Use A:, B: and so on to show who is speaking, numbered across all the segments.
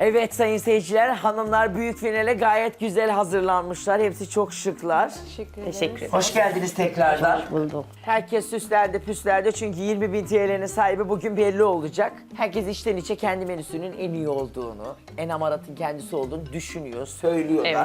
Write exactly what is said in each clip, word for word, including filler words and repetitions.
A: Evet sayın seyirciler, hanımlar büyük finale gayet güzel hazırlanmışlar. Hepsi çok şıklar.
B: Teşekkür
C: Teşekkür ederim.
A: Hoş geldiniz tekrardan.
C: Bulduk.
A: Herkes süslendi püslendi çünkü yirmi bin T L'nin sahibi bugün belli olacak. Herkes içten içe kendi menüsünün en iyi olduğunu, en hamaratın kendisi olduğunu düşünüyor, söylüyor
C: Evet.
A: da.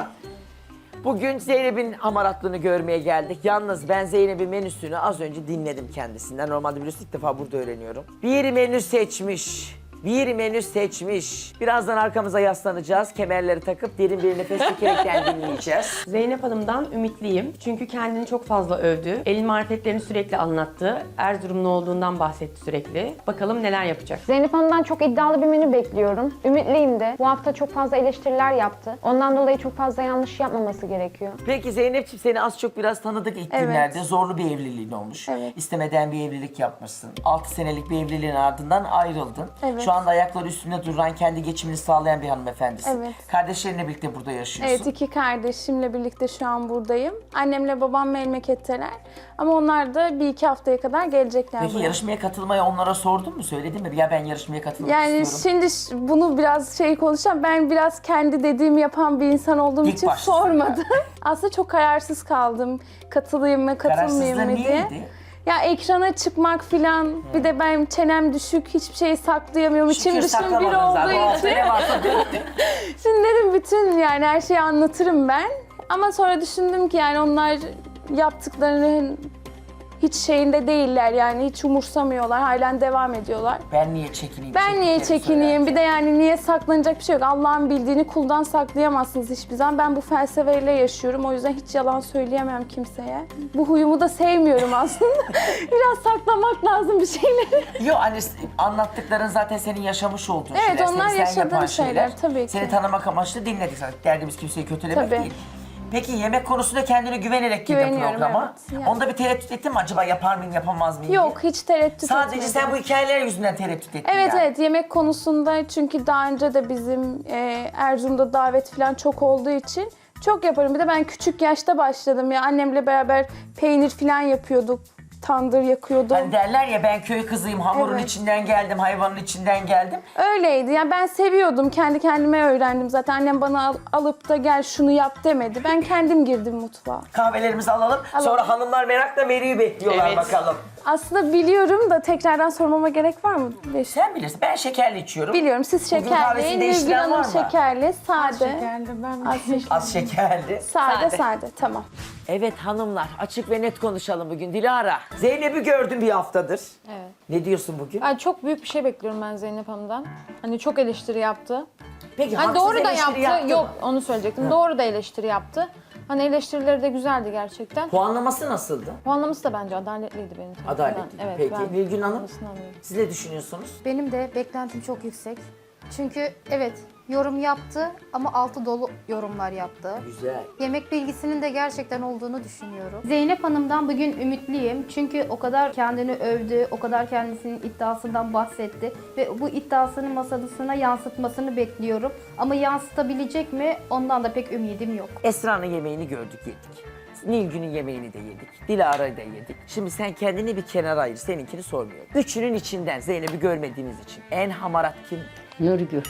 A: Bugün Zeynep'in hamaratlığını görmeye geldik. Yalnız ben Zeynep'in menüsünü az önce dinledim kendisinden. Normalde biliyorsun ilk defa burada öğreniyorum. Bir menü seçmiş. Bir menü seçmiş. Birazdan arkamıza yaslanacağız. Kemerleri takıp derin bir nefes çekerekten dinleyeceğiz.
D: Zeynep Hanım'dan ümitliyim. Çünkü kendini çok fazla övdü. El marifetlerini sürekli anlattı. Erzurumlu olduğundan bahsetti sürekli. Bakalım neler yapacak.
E: Zeynep Hanım'dan çok iddialı bir menü bekliyorum. Ümitliyim de. Bu hafta çok fazla eleştiriler yaptı. Ondan dolayı çok fazla yanlış yapmaması gerekiyor.
A: Peki Zeynep'ciğim seni az çok biraz tanıdık ilk
E: Evet.
A: günlerde. Zorlu bir evliliğin olmuş.
E: Evet.
A: İstemeden bir evlilik yapmışsın. altı senelik bir evliliğin ardından ayrıldın.
E: Evet.
A: Şu anda ayakları üstünde duran, kendi geçimini sağlayan bir hanımefendisin.
B: Evet.
A: Kardeşlerinle birlikte burada yaşıyorsun.
B: Evet, iki kardeşimle birlikte şu an buradayım. Annemle babam memleketteler. Ama onlar da bir iki haftaya kadar gelecekler
A: Peki
B: buraya.
A: yarışmaya katılmayı onlara sordun mu? Söyledin mi? Ya ben yarışmaya katılmak
B: Yani
A: istiyorum.
B: şimdi ş- bunu biraz şey konuşacağım. Ben biraz kendi dediğimi yapan bir insan olduğum
A: İlk
B: için
A: başta
B: sormadım. Aslında çok kararsız kaldım. Katılayım mı, katılmayayım
A: Kararsızlığın
B: mı diye.
A: neydi?
B: Ya ekrana çıkmak filan, bir de ben çenem düşük, hiçbir şeyi saklayamıyorum. İçim
A: Şükür
B: dışım bir
A: saklamadın zaten. O
B: olduğu
A: hafta
B: için.
A: ne varsa döktün.
B: Şimdi dedim bütün yani her şeyi anlatırım ben. Ama sonra düşündüm ki yani onlar yaptıklarının hiç şeyinde değiller yani hiç umursamıyorlar, halen devam ediyorlar.
A: Ben niye çekineyim?
B: Ben niye
A: çektiklerini
B: çekineyim? Bir de
A: söylerken?
B: yani niye saklanacak bir şey yok. Allah'ın bildiğini kuldan saklayamazsınız hiçbir zaman. Ben bu felsefeyle yaşıyorum. O yüzden hiç yalan söyleyemem kimseye. Bu huyumu da sevmiyorum aslında. Biraz saklamak lazım bir şeyleri.
A: Yok hani anlattıkların zaten senin yaşamış olduğun
B: Evet,
A: şeyler.
B: onlar
A: seni sen
B: yaşadığım
A: yapan
B: şeyler, tabii ki.
A: Seni tanımak amaçlı dinledik zaten. Derdimiz kimseyi kötülemek
B: Tabii.
A: değil. Peki yemek konusunda kendine güvenerek girdin
B: Güveniyorum,
A: programa.
B: evet. Yani.
A: Onda bir tereddüt ettin mi acaba yapar mıyım yapamaz mıyım
B: Yok,
A: diye?
B: hiç tereddüt
A: Sadece
B: etmedim.
A: sen bu hikayeler yüzünden tereddüt ettin
B: Evet
A: yani.
B: evet, yemek konusunda çünkü daha önce de bizim e, Erzurum'da davet falan çok olduğu için çok yaparım. Bir de ben küçük yaşta başladım ya, annemle beraber peynir falan yapıyorduk. Tandır yakıyordum.
A: Hani derler ya ben köy kızıyım, hamurun
B: Evet.
A: içinden geldim, hayvanın içinden geldim.
B: Öyleydi. Yani ben seviyordum. Kendi kendime öğrendim. Zaten annem bana al- alıp da gel şunu yap demedi. Ben kendim girdim mutfağa.
A: Kahvelerimizi alalım. Sonra hanımlar merakla menüyü bekliyorlar
D: Evet.
A: bakalım.
B: Aslında biliyorum da tekrardan sormama gerek var mı? Beş-
A: Sen bilirsin. Ben şekerli içiyorum.
B: Biliyorum. Siz
A: Bugün
B: şekerli,
A: kahvesini
B: Nilgün
A: değiştiren var
B: Hanım
A: mı?
B: şekerli, sade.
C: Şekerli ben
B: Az şekerli.
A: Az şekerli.
B: Sade, sade. Tamam.
A: Evet hanımlar, açık ve net konuşalım bugün. Dilara, Zeynep'i gördüm bir haftadır.
F: Evet.
A: Ne diyorsun bugün?
F: Yani çok büyük bir şey bekliyorum ben Zeynep Hanım'dan. Hani çok eleştiri yaptı.
A: Peki
F: Hani
A: haksız
F: doğru da
A: eleştiri
F: yaptı.
A: yaptı
F: Yok,
A: mı?
F: onu söyleyecektim. Doğru da eleştiri yaptı. Hani eleştirileri de güzeldi gerçekten.
A: Puanlaması nasıldı?
F: Puanlaması da bence adaletliydi benim tarafımdan.
A: Adaletli.
F: Evet,
A: Peki
F: ben
A: Nilgün Hanım,
F: puanlamasını alıyorum.
A: siz ne düşünüyorsunuz?
G: Benim de beklentim çok yüksek. Çünkü evet yorum yaptı ama altı dolu yorumlar yaptı.
A: Güzel.
G: Yemek bilgisinin de gerçekten olduğunu düşünüyorum. Zeynep Hanım'dan bugün ümitliyim. Çünkü o kadar kendini övdü, o kadar kendisinin iddiasından bahsetti. Ve bu iddiasını masadasına yansıtmasını bekliyorum. Ama yansıtabilecek mi? Ondan da pek ümidim yok.
A: Esra'nın yemeğini gördük, yedik. Nilgün'ün yemeğini de yedik. Dilara'yı da yedik. Şimdi sen kendini bir kenara ayır, seninkini sormuyorum. Üçünün içinden Zeynep'i görmediğiniz için en hamarat kim?
C: Nurgül.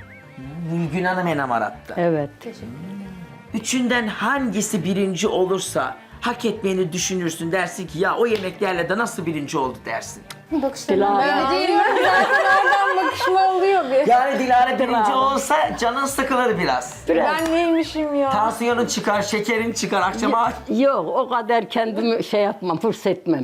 A: Nilgün Hanım en hamarattı.
C: Evet.
A: Üçünden hangisi birinci olursa hak etmeyeni düşünürsün, dersin ki ya o yemeklerle de nasıl birinci oldu dersin.
G: Bakışlarından
C: Dilara.
G: böyle değil.
F: Nereden bakışma oluyor bir.
A: Yani Dilara birinci olsa canın sıkılır biraz.
F: Ben neymişim ya?
A: Tansiyonun çıkar, şekerin çıkar akşama.
C: Yok o kadar kendimi şey yapmam, fırs etmem.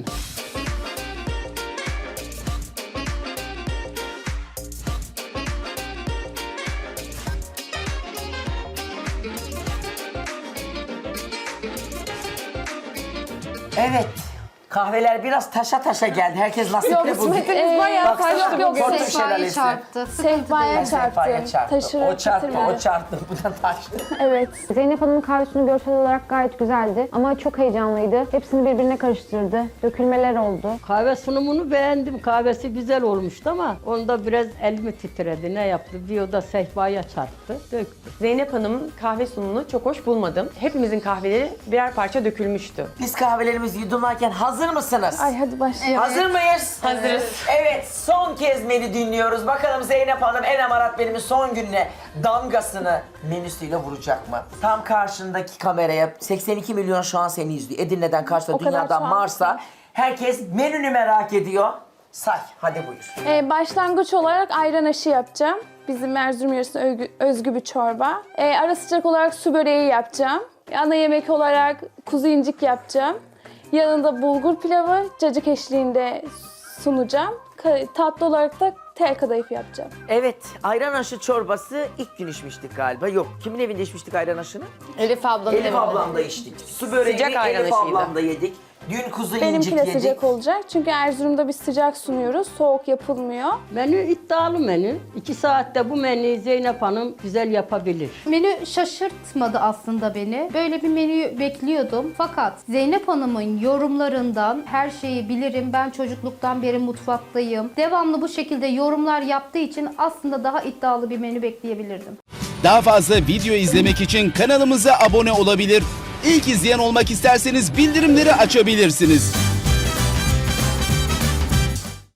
A: Evet. Kahveler biraz taşa taşa geldi. Herkes nasipli bugün.
F: Kısmetimiz bayağı
A: Baksana,
F: taştı
A: yok,
F: bugün.
A: Porto
G: Sehpayı
A: şelalesi.
G: çarptı.
B: Sehpaya
A: Sehpaya
B: çarptı.
A: çarptı.
B: Taşırarak
A: O çarptı,
B: bitirmedi.
A: o çarptı. Bu da taştı.
B: Evet.
E: Zeynep Hanım'ın kahvesini görsel olarak gayet güzeldi ama çok heyecanlıydı. Hepsini birbirine karıştırdı. Dökülmeler oldu.
C: Kahve sunumunu beğendim. Kahvesi güzel olmuştu ama onda biraz elimi titredi. Ne yaptı? Bir oda sehpaya çarptı, döktü.
D: Zeynep Hanım'ın kahve sunumunu çok hoş bulmadım. Hepimizin kahveleri birer parça dökülmüştü.
A: Biz kahvelerimizi yudumlarken hazır Hazır mısınız?
B: Ay hadi başlayalım.
A: Hazır mıyız?
D: Hazırız.
A: Evet, son kez menü dinliyoruz. Bakalım Zeynep Hanım en amarat benim son gününe damgasını menüsüyle vuracak mı? Tam karşındaki kameraya seksen iki milyon şu an seni izliyor. Edirne'den karşıda
B: O kadar
A: dünyadan
B: şu an-
A: Mars'a. Herkes menünü merak ediyor. Say, hadi buyur.
B: Ee, başlangıç olarak ayran aşı yapacağım. Bizim Erzurum yöresine özgü, özgü bir çorba. Ee, ara sıcak olarak su böreği yapacağım. Ana yemek olarak kuzu incik yapacağım. Yanında bulgur pilavı, cacık eşliğinde sunacağım. Ka- Tatlı olarak da tel kadayıf yapacağım.
A: Evet, ayran aşı çorbası ilk gün içmiştik galiba. Yok, kimin evinde içmiştik ayran aşını?
D: Elif ablanın
A: Elif
D: evinde.
A: ablamda içtik. Su böreğini
D: Sıcak ayran
A: Elif
D: aşıydı.
A: ablamda yedik. Dün kuzu
B: Benimki
A: incik
B: de
A: yedik.
B: sıcak olacak. Çünkü Erzurum'da biz sıcak sunuyoruz. Soğuk yapılmıyor.
C: Menü iddialı menü. İki saatte bu menüyü Zeynep Hanım güzel yapabilir.
G: Menü şaşırtmadı aslında beni. Böyle bir menüyü bekliyordum. Fakat Zeynep Hanım'ın yorumlarından her şeyi bilirim. Ben çocukluktan beri mutfaktayım. Devamlı bu şekilde yorumlar yaptığı için aslında daha iddialı bir menü bekleyebilirdim.
H: Daha fazla video izlemek için kanalımıza abone olabilir. İlk izleyen olmak isterseniz bildirimleri açabilirsiniz.